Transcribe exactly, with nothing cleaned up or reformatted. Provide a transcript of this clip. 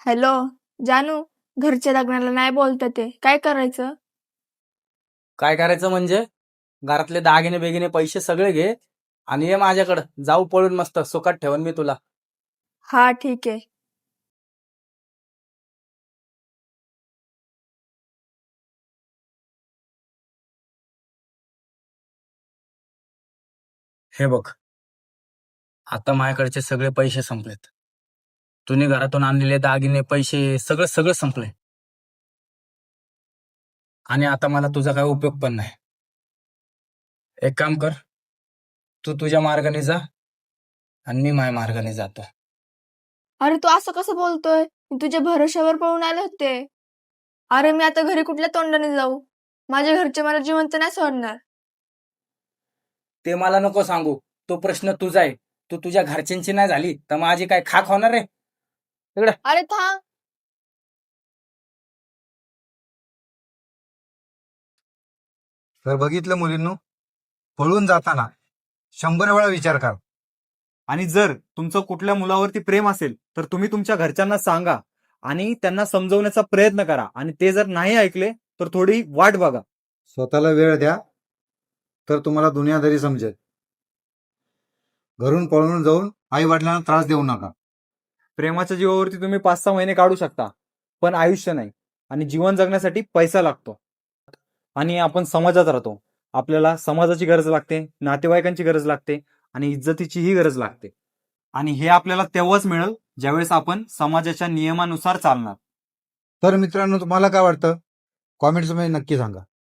Hello. जानू, घरच्या लग्नाला नाही बोलतात ते, काय करायचं? काय करायचं म्हणजे घरातले दागिने बेगिने पैसे सगळे घे आणि ये माझ्याकडं, जाऊ पळून मस्त सुखात ठेवन मी तुला. हा ठीक आहे. हे बघ, आता माझ्याकडचे सगळे पैसे संपलेत. तुम्ही घरातून आणलेले दागिने पैसे सगळं सगळं संपले आणि आता मला तुझा काय उपयोग पण नाही. एक काम कर, तू तुझ्या मार्गाने जा आणि मी माझ्या मार्गाने जातो. अरे तू असं कसं बोलतोय? मी तुझ्या भरोश्यावर पळून आले होते. अरे मी आता घरी कुठल्या तोंडाने जाऊ? माझ्या घरचे मला जिवंत नाही सोडणार. ते मला नको सांगू, तो प्रश्न तुझा आहे. तू तुझ्या घरच्यांची नाही झाली तर माझी काय खाक होणार रे? इकडे अरे थांब. तर बघितलं मुलींनो, पळून जाताना शंभर वेळा विचार करा. आणि जर तुमचं कुठल्या मुलावरती प्रेम असेल तर तुम्ही तुमच्या घरच्यांना सांगा आणि त्यांना समजवण्याचा प्रयत्न करा. आणि ते जर नाही ऐकले तर थोडी वाट बघा. स्वतःला वेळ द्या, तर तुम्हाला दुनियादारी समजेल. घरून पळून जाऊन आई वडिलांना त्रास देऊ नका. प्रेमाच्या जीवावरती तुम्ही पाच सहा महिने काढू शकता, पण आयुष्य नाही. आणि जीवन जगण्यासाठी पैसा लागतो. आणि आपण समाजात राहतो, आपल्याला समाजाची गरज लागते, नातेवाईकांची गरज लागते आणि इज्जतीचीही गरज लागते. आणि हे आपल्याला तेव्हाच मिळेल ज्यावेळेस आपण समाजाच्या नियमानुसार चालणार. तर मित्रांनो, तुम्हाला काय वाटतं? कॉमेंट्समध्ये नक्की सांगा.